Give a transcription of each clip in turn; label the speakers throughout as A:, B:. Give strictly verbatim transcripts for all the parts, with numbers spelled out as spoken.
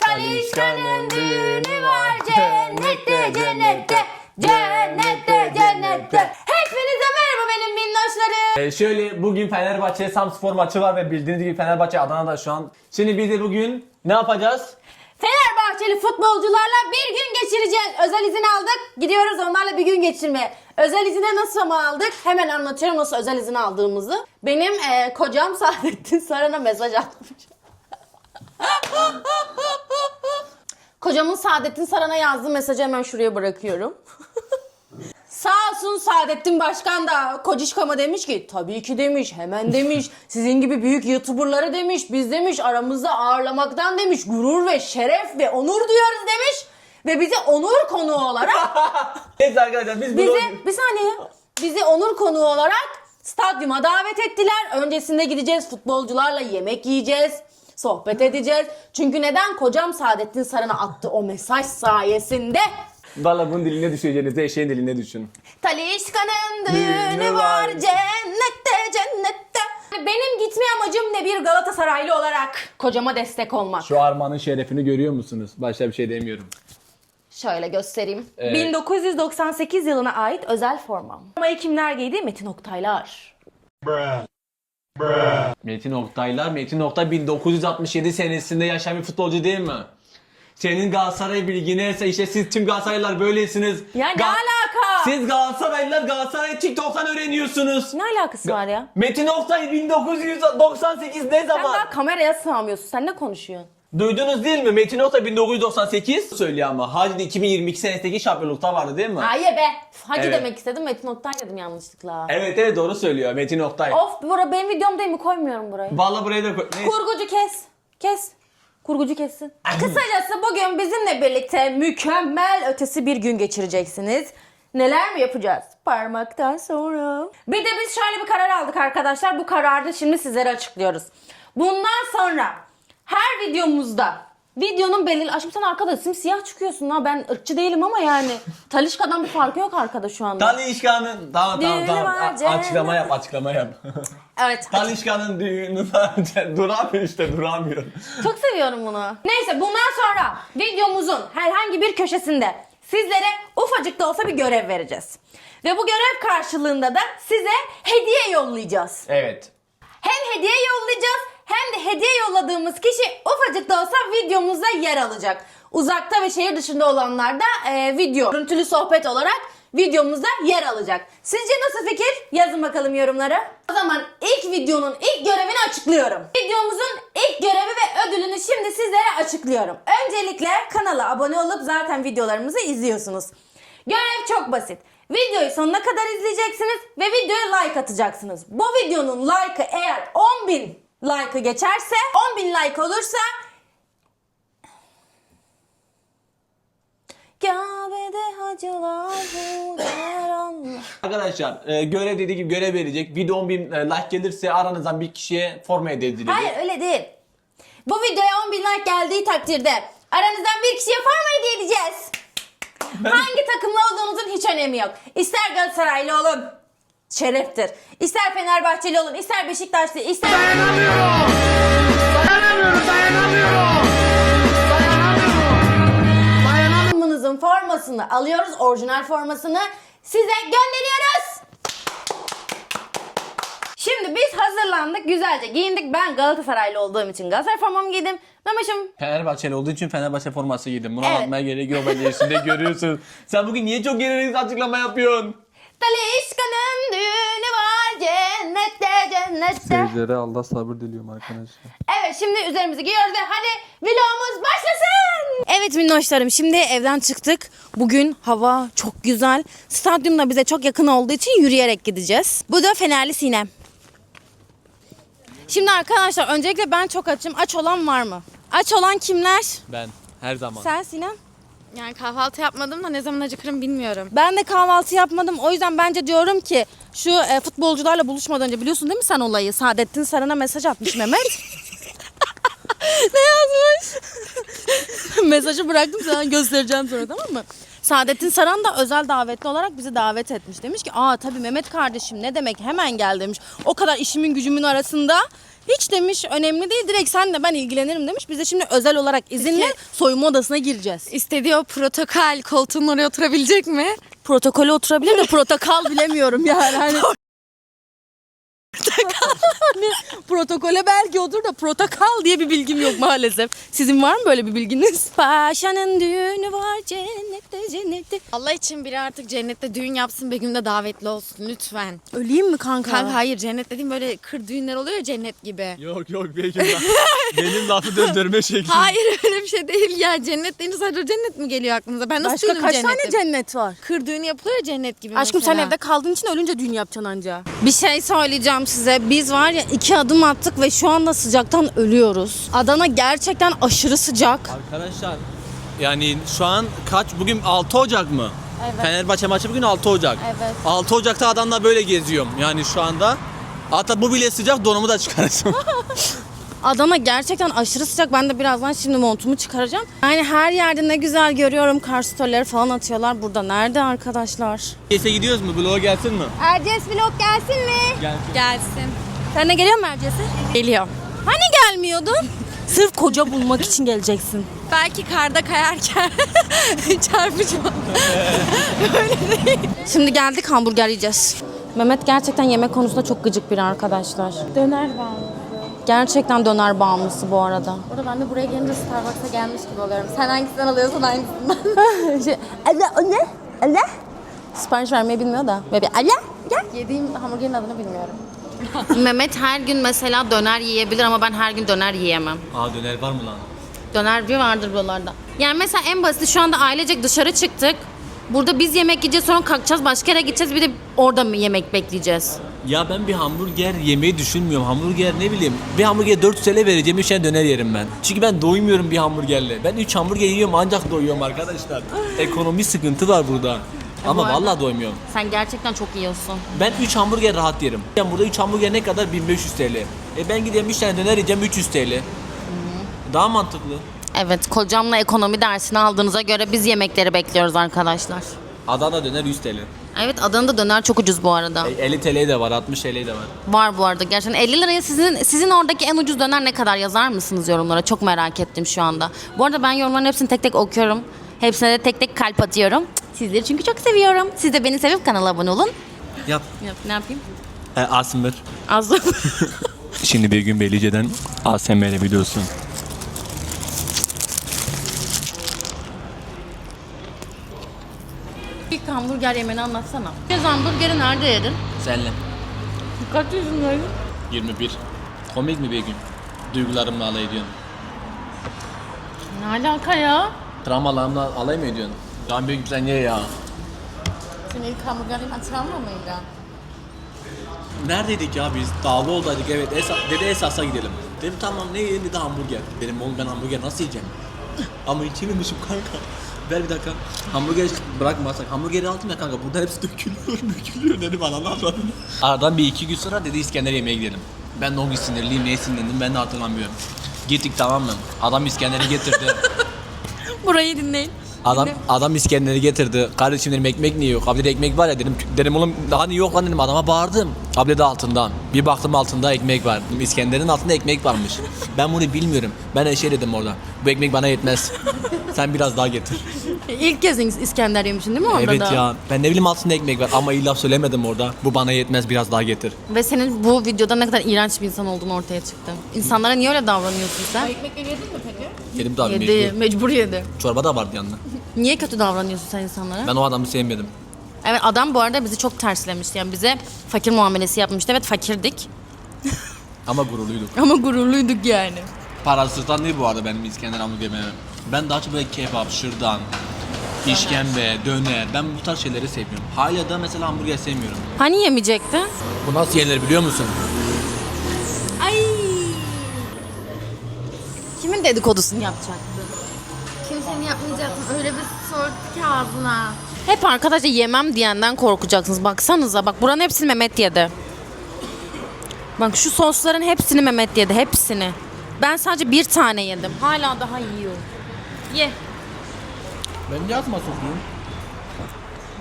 A: Talişka'nın düğünü var cennette cennette cennette cennette. Hepinize merhaba benim minnoşlarım.
B: Ee, şöyle bugün Fenerbahçe Samspor maçı var ve bildiğiniz gibi Fenerbahçe Adana'da şu an. Şimdi biz de bugün ne yapacağız?
A: Fenerbahçeli futbolcularla bir gün geçireceğiz. Özel izin aldık. Gidiyoruz onlarla bir gün geçirmeye. Özel izine nasıl mı aldık? Hemen anlatıyorum nasıl özel izin aldığımızı. Benim e, kocam Saadettin Saran'a mesaj atmış. Kocamın Saadettin Saran'a yazdığı mesajı hemen şuraya bırakıyorum. Sağ olsun Saadettin Başkan da Kocişkam'a demiş ki tabii ki demiş, hemen demiş, sizin gibi büyük YouTuber'ları demiş, biz demiş aramızda ağırlamaktan demiş gurur ve şeref ve onur duyuyoruz demiş ve bizi onur konuğu olarak
B: Neyse arkadaşlar biz
A: bizi
B: bunu...
A: bir saniye bizi onur konuğu olarak stadyuma davet ettiler. Öncesinde gideceğiz, futbolcularla yemek yiyeceğiz, sohbet edeceğiz. Çünkü neden? Kocam Saadettin Saran'a attı o mesaj sayesinde.
B: Valla bunun diline düşeceğinize eşeğin diline düşün.
A: Talişka'nın düğünü var cennette cennette. Benim gitme amacım ne, bir Galatasaraylı olarak kocama destek olmak.
B: Şu armağanın şerefini görüyor musunuz? Başka bir şey demiyorum.
A: Şöyle göstereyim.
B: Evet.
A: bin dokuz yüz doksan sekiz yılına ait özel formam. Formayı kimler giydi? Metin Oktaylar.
B: Metin Oktaylar, Metin Oktay bin dokuz yüz altmış yedi senesinde yaşayan bir futbolcu değil mi? Senin Galatasaray bilgine ise işte siz tüm Galatasaraylılar böylesiniz.
A: Ya ne
B: Ga-
A: alaka?
B: Siz Galatasaraylılar Galatasaray TikTok'tan öğreniyorsunuz.
A: Ne alakası var ya?
B: Metin Oktay bin dokuz yüz doksan sekiz ne
A: Sen
B: zaman?
A: daha kameraya sığamıyorsun. Sen ne konuşuyorsun?
B: Duydunuz değil mi? Metin Oktay bin dokuz yüz doksan sekiz söylüyor ama. Hacı iki bin yirmi iki senesindeki şampiyonlukta vardı değil mi?
A: Hayır be. Hacı
B: Evet.
A: demek istedim. Metin Oktay dedim yanlışlıkla.
B: Evet evet doğru söylüyor Metin Oktay.
A: Of, bura benim videom değil mi? Koymuyorum burayı.
B: Vallahi buraya da koy. Neyse.
A: Kurgucu kes. Kes. Kurgucu kessin. Kısacası bugün bizimle birlikte mükemmel ötesi bir gün geçireceksiniz. Neler mi yapacağız? Parmaktan sonra. Bir de biz şöyle bir karar aldık arkadaşlar. Bu kararı da şimdi sizlere açıklıyoruz. Bundan sonra her videomuzda videonun belirli... Aşkım sen arkada simsiyah çıkıyorsun ha. Ben ırkçı değilim ama yani. Talişka'dan bir farkı yok arkada şu anda.
B: Talişka'nın... Tamam tamam
A: Düğünü
B: tamam.
A: var
B: A-
A: cennet.
B: açıklama yap açıklama yap.
A: Evet.
B: Talişka'nın düğünü var. Duramıyor işte duramıyor.
A: Çok seviyorum bunu. Neyse bundan sonra videomuzun herhangi bir köşesinde sizlere ufacık da olsa bir görev vereceğiz. Ve bu görev karşılığında da size hediye yollayacağız.
B: Evet.
A: Hem hediye yollayacağız hem de hediye yolladığımız kişi ufacık da olsa videomuzda yer alacak. Uzakta ve şehir dışında olanlar da e, video, görüntülü sohbet olarak videomuzda yer alacak. Sizce nasıl fikir? Yazın bakalım yorumlara. O zaman ilk videonun ilk görevini açıklıyorum. Videomuzun ilk görevi ve ödülünü şimdi sizlere açıklıyorum. Öncelikle kanala abone olup zaten videolarımızı izliyorsunuz. Görev çok basit. Videoyu sonuna kadar izleyeceksiniz ve videoya like atacaksınız. Bu videonun like'ı eğer on bin like'ı geçerse, on bin like olursa Kabe'de hacılar Allah.
B: Arkadaşlar e, görev dediği gibi görev verecek. Video on bin e, like gelirse aranızdan bir kişiye forma hediye edilecek.
A: Hayır öyle değil. Bu videoya on bin like geldiği takdirde aranızdan bir kişiye forma hediye edeceğiz.
B: Ben-
A: Hangi takımlı olduğunuzun hiç önemi yok. İster Galatasaraylı olun, şereftir. İster Fenerbahçeli olun, ister Beşiktaşlı, ister...
C: Dayanamıyorum. Dayanamıyorum, dayanamıyorum. Dayanamıyorum.
A: takımınızın formasını alıyoruz, orijinal formasını size gönderiyoruz. Şimdi biz hazırlandık, güzelce giyindik. Ben Galatasaraylı olduğum için Galatasaray formamı giydim. Mehmet'im
B: Fenerbahçeli olduğu için Fenerbahçe forması giydim. Bunu
A: Evet.
B: anlatmaya gerek yok. Bence üstünde görüyorsun. Sen bugün niye çok gereksiz açıklama yapıyorsun?
A: Talişka'nın düğünü var cennette cennette.
D: Seyircilere Allah sabır diliyorum arkadaşlar.
A: Evet şimdi üzerimizi giyiyoruz ve hadi vlogumuz başlasın. Evet minnoşlarım şimdi evden çıktık. Bugün hava çok güzel. Stadyum da bize çok yakın olduğu için yürüyerek gideceğiz. Bu da Fenerli Sinem. Şimdi arkadaşlar öncelikle ben çok açım. Aç olan var mı? Aç olan kimler?
B: Ben her zaman.
A: Sen Sinem?
E: Yani kahvaltı yapmadım da ne zaman acıkırım bilmiyorum.
A: Ben de kahvaltı yapmadım. O yüzden bence diyorum ki şu e, futbolcularla buluşmadan önce biliyorsun değil mi sen olayı? Saadettin Saran'a mesaj atmış Mehmet. Ne yazmış? Mesajı bıraktım sana göstereceğim sonra tamam mı? Saadettin Saran da özel davetli olarak bizi davet etmiş. Demiş ki aa tabii Mehmet kardeşim ne demek hemen gel demiş. O kadar işimin gücümün arasında hiç demiş önemli değil direkt senle ben ilgilenirim demiş. Biz de şimdi özel olarak izinle
E: Peki.
A: soyunma odasına gireceğiz.
E: İstediği o protokol koltuğun oraya oturabilecek mi?
A: Protokole oturabilir de protokol bilemiyorum yani. Hani... hani protokole belki otur da protokol diye bir bilgim yok maalesef. Sizin var mı böyle bir bilginiz? Paşanın düğünü var cennette cennette.
E: Allah için biri artık cennette düğün yapsın, Begüm'de davetli olsun lütfen.
A: Öleyim mi kanka?
E: Kanka hayır, cennet dediğim böyle kır düğünler oluyor ya, cennet gibi.
B: Yok yok Begüm ben. Benim lafı döndürme şekli.
E: Hayır öyle bir şey değil ya. Cennet deyince sadece cennet mi geliyor aklınıza? Ben nasıl
A: Başka
E: duydum
A: kaç
E: cenneti?
A: tane cennet var?
E: Kır düğünü yapılıyor ya cennet gibi
A: Aşkım
E: mesela.
A: sen evde kaldığın için ölünce düğün yapacaksın anca. Bir şey söyleyeceğim size. Biz var ya iki adım attık ve şu anda sıcaktan ölüyoruz. Adana gerçekten aşırı sıcak.
B: Arkadaşlar yani şu an kaç? Bugün altı Ocak mı?
A: Evet.
B: Fenerbahçe maçı bugün altı Ocak.
A: Evet.
B: altı Ocak'ta Adana'da böyle geziyorum yani şu anda. Hatta bu bile sıcak, donumu da çıkaracağım.
A: Adana gerçekten aşırı sıcak. Ben de birazdan şimdi montumu çıkaracağım. Yani her yerde ne güzel görüyorum. Kar storyleri falan atıyorlar. Burada nerede arkadaşlar?
B: Kese gidiyoruz mu? Vlog'a gelsin mi?
A: Erciyes vlog gelsin mi?
B: Gelsin.
E: Gelsin.
A: Sen de geliyor musun Erciyes'e?
E: Geliyor.
A: Hani gelmiyordun? Sırf koca bulmak için geleceksin.
E: Belki karda kayarken çarpacağım.
A: Şimdi geldik hamburger yiyeceğiz. Mehmet gerçekten yemek konusunda çok gıcık biri arkadaşlar.
E: Döner bağımlısı.
A: Gerçekten döner bağımlısı bu arada.
E: Orada ben de buraya gelince Starbucks'a gelmiş gibi oluyorum. Sen hangisinden alıyorsan hangisinden.
A: şey, Allah o ne? Allah? Sipariş vermeyi bilmiyor da. Böyle bir Allah gel.
E: Yediğim hamburgerin adını bilmiyorum.
A: Mehmet her gün mesela döner yiyebilir ama ben her gün döner yiyemem.
B: Aa döner var mı lan?
A: Döner bir vardır buralarda. Yani mesela en basit şu anda ailecek dışarı çıktık. Burada biz yemek yiyeceğiz sonra kalkacağız başka yere gideceğiz bir de orada mı yemek bekleyeceğiz?
B: Ya ben bir hamburger yemeyi düşünmüyorum. Hamburger ne bileyim. Bir hamburger dört yüz T L vereceğim, üç tane döner yerim ben. Çünkü ben doymuyorum bir hamburgerle. Ben üç hamburger yiyorum ancak doyuyorum arkadaşlar. Ekonomi sıkıntı var burada. Ama
A: arada-
B: vallahi doymuyorum.
A: Sen gerçekten çok yiyorsun.
B: Ben üç hamburger rahat yerim. Yani burada üç hamburger ne kadar? bin beş yüz T L. E ben gideyim üç tane döner yiyeceğim üç yüz T L. Daha mantıklı.
A: Evet kocamla ekonomi dersini aldığınıza göre biz yemekleri bekliyoruz arkadaşlar.
B: Adana döner yüz T L.
A: Evet Adana'da döner çok ucuz bu arada.
B: E, elli T L de var, altmış T L de var.
A: Var bu arada gerçekten. elli liraya sizin sizin oradaki en ucuz döner ne kadar yazar mısınız yorumlara? Çok merak ettim şu anda. Bu arada ben yorumların hepsini tek tek okuyorum. Hepsine de tek tek kalp atıyorum. Sizleri çünkü çok seviyorum. Siz de beni sevip kanala abone olun.
B: Yap.
A: Yap, ne yapayım?
B: E, Asmır.
A: Az
B: Şimdi bir gün Beylice'den A S M R biliyorsun.
A: İlk hamburger yemeni anlatsana. Göz hamburgeri nerede yedin?
B: Senle.
A: Kaç yaşındaydın?
B: yirmi bir. Komik mi bir gün? Duygularımla alay ediyorsun.
A: Ne alaka ya?
B: Travmalarımla alay mı ediyorsun? Daha büyük sen ye ya.
E: Senin ilk hamburgerin travma mıydı?
B: Neredeydik ya biz? Dağlı oldaydık evet. Esa, dedi Esas'a gidelim. Dedim tamam ne yiyelim dedi hamburger. Dedim oğlum ben hamburger nasıl yiyeceğim? Ama hiç yememişim kanka. Ver bir dakika. Hamburger bırakmasak. Hamburgeri aldım ya kanka. Burada hepsi dökülüyor, dökülüyor dedim ananı avradını. Aradan bir iki gün sonra dedi İskender yemeğe gidelim. Ben de o gün sinirliyim, neye sinirlendim ben de hatırlamıyorum. Gittik tamam mı? Adam İskender'i getirdi.
A: Burayı dinleyin.
B: Adam adam İskender'i getirdi. Kardeşim dedim ekmek niye yok? Abi dedi ekmek var ya dedim. Dedim oğlum hani yok lan dedim adama bağırdım. Abi dedi altından. Bir baktım altında ekmek var. Dedim, İskender'in altında ekmek varmış. Ben bunu bilmiyorum. Ben de şey dedim orada. Bu ekmek bana yetmez. Sen biraz daha getir.
A: İlk kez İskender yemişsin değil mi orada
B: Evet
A: da?
B: ya. Ben ne bileyim altında ekmek var ama iyi laf söylemedim orada. Bu bana yetmez biraz daha getir.
A: Ve senin bu videoda ne kadar iğrenç bir insan olduğunu ortaya çıktı. İnsanlara niye öyle davranıyorsun sen?
E: Ekmekleri yedin mi peki?
B: Yedim tabii
A: Yedi,
B: mecbur.
A: mecbur yedi.
B: Çorba da vardı yanında.
A: Niye kötü davranıyorsun sen insanlara?
B: Ben o adamı sevmedim.
A: Evet adam bu arada bizi çok terslemişti. Yani bize fakir muamelesi yapmıştı. Evet fakirdik
B: Ama gururluyduk.
A: ama gururluyduk yani.
B: Parasızdan değil bu arada benim İskender hamburger yemem. Ben daha çok böyle kebap, şırdan, işkembe, döner. Ben bu tarz şeyleri seviyorum. Hala da mesela hamburger sevmiyorum.
A: Hani yemeyecektin?
B: Bu nasıl yenir biliyor musun?
A: Ay. Kimin dedikodusunu yapacaktı?
E: Kimsenin yapmayacaktım. Öyle bir sordu ki ağzına.
A: Hep arkadaşlar yemem diyenden korkacaksınız. Baksanıza bak buranın hepsini Mehmet yedi. Bak şu sosların hepsini Mehmet yedi. Hepsini. Ben sadece bir tane yedim. Hala daha yiyor. Ye.
B: Ben niye atma sokuyum?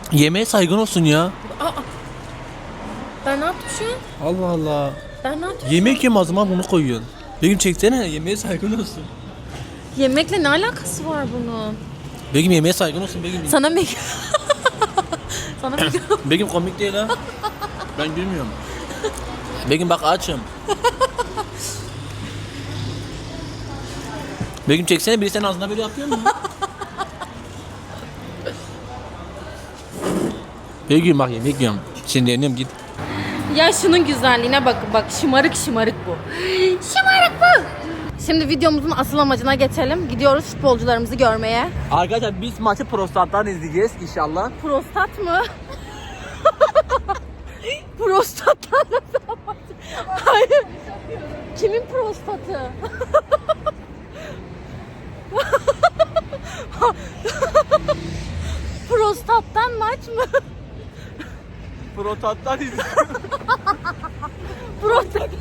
B: Yemeğe saygın olsun ya.
E: Ben ne yaptım şu an?
B: Allah Allah.
E: Ben ne yaptım?
B: Yemek yeme o zaman bunu koyuyorsun. Begüm çeksene yemeğe saygın olsun.
E: Yemekle ne alakası var bunun?
B: Begüm yemeğe saygın olsun Begüm.
E: Sana mı? Sana mı?
B: Begüm komik değil ha. Ben gülmüyorum. Begüm bak açım. Begüm çeksene biri senin ağzına böyle yapıyor mu? Begüm bak yemek yiyorum. Şimdi yeniyorum git.
E: Ya şunun güzelliğine bakın bak şımarık şımarık bu. Şımarık bu. Şimdi videomuzun asıl amacına geçelim. Gidiyoruz futbolcularımızı görmeye.
B: Arkadaşlar biz maçı prostattan izleyeceğiz inşallah.
E: Prostat mı? Prostattan nasıl amaç? Hayır. Kimin prostatı? Prostattan maç mı?
B: Prostattan izleyeceğiz.
E: Prostat.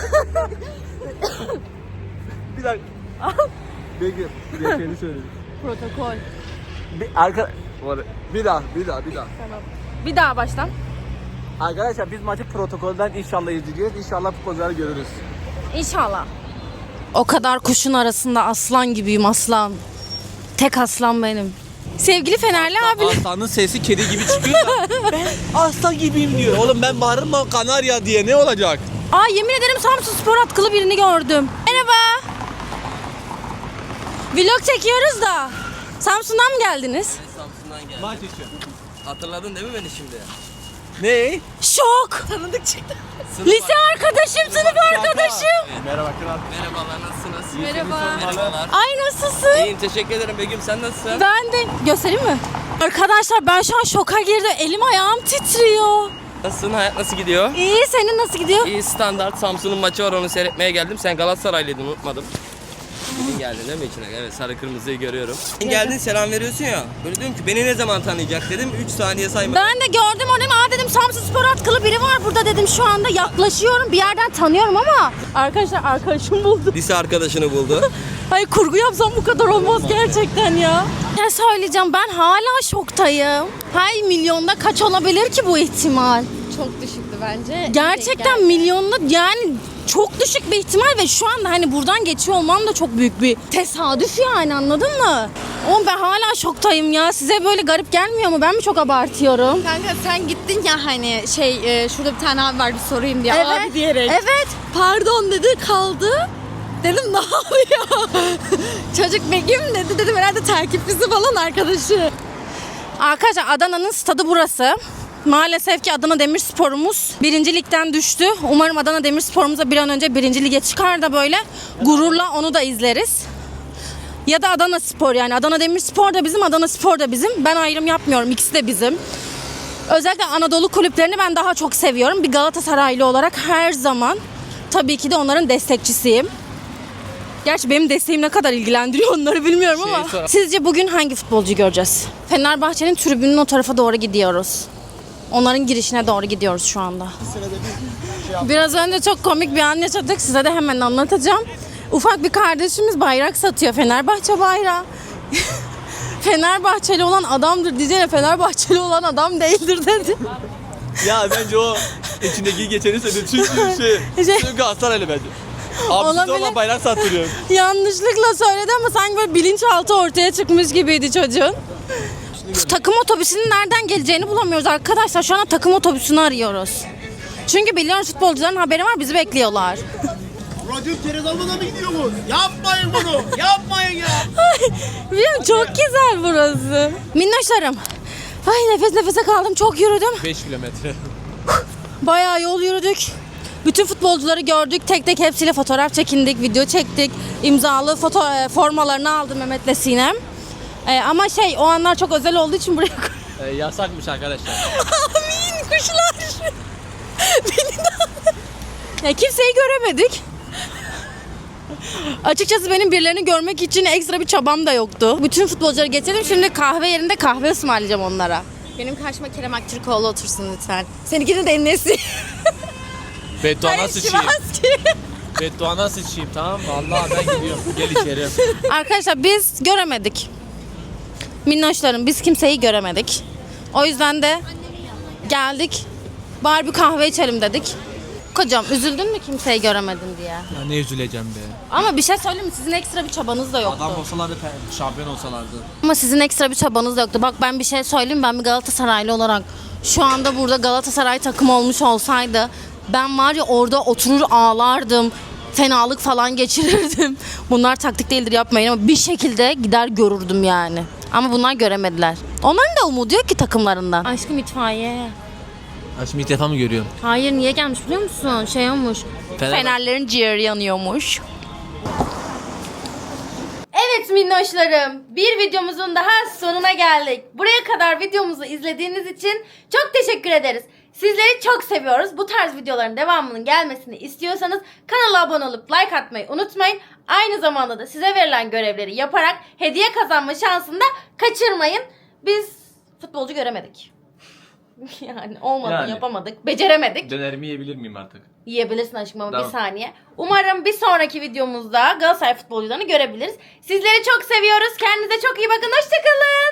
B: Bir dakika. Begüm geçeni söyle.
E: Protokol.
B: Bir arka bir daha bir daha bir daha.
E: Tamam. Bir daha baştan.
B: Arkadaşlar biz maçı protokolden inşallah izleyeceğiz. İnşallah futbolcuları görürüz.
E: İnşallah. O kadar kuşun arasında aslan gibiyim aslan. Tek aslan benim. Sevgili Fenerli abi.
B: Aslanın sesi kedi gibi çıkıyor da ben aslan gibiyim diyor. Oğlum ben bağırırım mı Kanarya diye ne olacak?
E: Aa yemin ederim Samsun Spor atkılı birini gördüm. Merhaba. Vlog çekiyoruz da. Samsun'dan mı geldiniz?
F: Samsun'dan geldim.
B: Maç için.
F: Hatırladın değil mi beni şimdi?
B: Ne?
E: Şok. Tanıdık çıktı.
F: Sınıf
E: Lise arkadaşım, sınıf arkadaşım.
B: Merhaba kral.
F: Merhabalar, nasılsınız?
E: Merhaba.
F: Merhabalar.
E: Ay nasılsın?
F: İyiyim, teşekkür ederim Begüm. Sen nasılsın?
E: Ben de. Göstereyim mi? Arkadaşlar ben şu an şoka girdim. Elim ayağım titriyor.
F: Nasılsın? Hayat nasıl gidiyor?
E: İyi, senin nasıl gidiyor?
F: İyi, standart. Samsun'un maçı var, onu seyretmeye geldim. Sen Galatasaraylıydın, unutmadım. Bugün geldin değil mi içine? Evet, sarı kırmızıyı görüyorum. Sen geldin, selam veriyorsun ya. Böyle diyorum ki beni ne zaman tanıyacak dedim. üç saniye sayma.
E: Ben de gördüm onu. Aa dedim Samsun Spor atkılı biri var burada dedim şu anda. Yaklaşıyorum. Bir yerden tanıyorum ama. Arkadaşlar arkadaşım buldu.
F: Lise arkadaşını buldu.
E: Hayır kurgu yapsam bu kadar olmaz gerçekten ya. Ne söyleyeceğim, ben hala şoktayım. Hay milyonda kaç olabilir ki bu ihtimal?
G: Çok düşüktü bence.
E: Gerçekten milyonda yani çok düşük bir ihtimal ve şu anda hani buradan geçiyor olmam da çok büyük bir tesadüf yani, anladın mı? Oğlum ben hala şoktayım ya. Size böyle garip gelmiyor mu? Ben mi çok abartıyorum?
G: Kanka sen gittin ya hani şey e, şurada bir tane abi var bir sorayım diye abi diyerek.
E: Evet.
G: Pardon dedi kaldı. Dedim ne oluyor? Çocuk Begüm dedi, dedim herhalde takipçisi falan arkadaşı.
E: Arkadaşlar Adana'nın stadı burası. Maalesef ki Adana Demirspor'umuz birinci ligden düştü. Umarım Adana Demirspor'umuz da bir an önce birinci lige çıkar da böyle gururla onu da izleriz. Ya da Adana Spor, yani Adana Demirspor da bizim, Adana Spor da bizim. Ben ayrım yapmıyorum, ikisi de bizim. Özellikle Anadolu kulüplerini ben daha çok seviyorum. Bir Galatasaraylı olarak her zaman tabii ki de onların destekçisiyim. Gerçi benim desteğim ne kadar ilgilendiriyor onları bilmiyorum ama.
F: sor-
E: Sizce bugün hangi futbolcuyu göreceğiz? Fenerbahçe'nin tribünün o tarafa doğru gidiyoruz. Onların girişine doğru gidiyoruz şu anda. Biraz önce çok komik bir an yaşadık. Size de hemen anlatacağım. Ufak bir kardeşimiz bayrak satıyor. Fenerbahçe bayrağı. Fenerbahçeli olan adamdır diyeceğine Fenerbahçeli olan adam değildir dedi.
B: Ya bence o içindeki geçeni söyledi. Çünkü şey,
E: Şey-
B: çünkü Galatasaraylı bence. Abisi
E: Olabilir.
B: olan bayrak sattırıyor.
E: Yanlışlıkla söyledi ama sanki böyle bilinçaltı ortaya çıkmış gibiydi çocuğun. Şu takım otobüsünün nereden geleceğini bulamıyoruz arkadaşlar. Şu anda takım otobüsünü arıyoruz. Çünkü biliyoruz futbolcuların haberi var, bizi bekliyorlar.
C: Radyo kere dalmadan mı gidiyor bu? Yapmayın bunu. Yapmayın ya.
E: Biliyorum çok güzel burası. Minnoşlarım. Ay nefes nefese kaldım, çok yürüdüm.
B: beş kilometre.
E: Bayağı yol yürüdük. Bütün futbolcuları gördük. Tek tek hepsiyle fotoğraf çekindik, video çektik. İmzalı foto e, formalarını aldı Mehmet'le Sinem. E, ama şey o anlar çok özel olduğu için buraya koy-
B: Ee, yasakmış arkadaşlar.
E: Amin kuşlar. Beni de ya kimseyi göremedik. Açıkçası benim birilerini görmek için ekstra bir çabam da yoktu. Bütün futbolcuları getirdim. Şimdi kahve yerinde kahve ısmarlayacağım onlara.
G: Benim karşıma Kerem Aktürkoğlu otursun lütfen. Seninkini de Enes'i.
B: Bedduana sıçayım.
G: Şimanski.
B: Bedduana sıçayım tamam mı? Vallahi ben gidiyorum. Gel içeri.
E: Arkadaşlar biz göremedik. Minnoşlarım biz kimseyi göremedik. O yüzden de geldik. Bari bir kahve içelim dedik. Kocam üzüldün mü kimseyi göremedin diye?
B: Ya ne üzüleceğim be.
E: Ama bir şey söyleyeyim mi? Sizin ekstra bir çabanız da yoktu.
B: Adam olsalardı, pe- şampiyon olsalardı.
E: Ama sizin ekstra bir çabanız da yoktu. Bak ben bir şey söyleyeyim. Ben bir Galatasaraylı olarak şu anda burada Galatasaray takımı olmuş olsaydı ben var ya orada oturur ağlardım. Fenalık falan geçirirdim. Bunlar taktik değildir yapmayın ama bir şekilde gider görürdüm yani. Ama bunlar göremediler. Onların da umudu yok ki takımlarından. Aşkım itfaiye.
B: Ha şimdi ilk defa mı görüyorum?
E: Hayır niye gelmiş biliyor musun? Şey olmuş.
B: Fener-
E: Fenerlerin ciğeri yanıyormuş. Evet minnoşlarım, bir videomuzun daha sonuna geldik. Buraya kadar videomuzu izlediğiniz için çok teşekkür ederiz. Sizleri çok seviyoruz. Bu tarz videoların devamının gelmesini istiyorsanız kanala abone olup like atmayı unutmayın. Aynı zamanda da size verilen görevleri yaparak hediye kazanma şansını da kaçırmayın. Biz futbolcu göremedik. Yani olmadı,
B: Yani.
E: yapamadık, beceremedik.
B: Dönerimi yiyebilir miyim artık?
E: Yiyebilirsin aşkım ama
B: Tamam.
E: bir saniye. Umarım bir sonraki videomuzda Galatasaray futbolcularını görebiliriz. Sizleri çok seviyoruz. Kendinize çok iyi bakın. Hoşçakalın.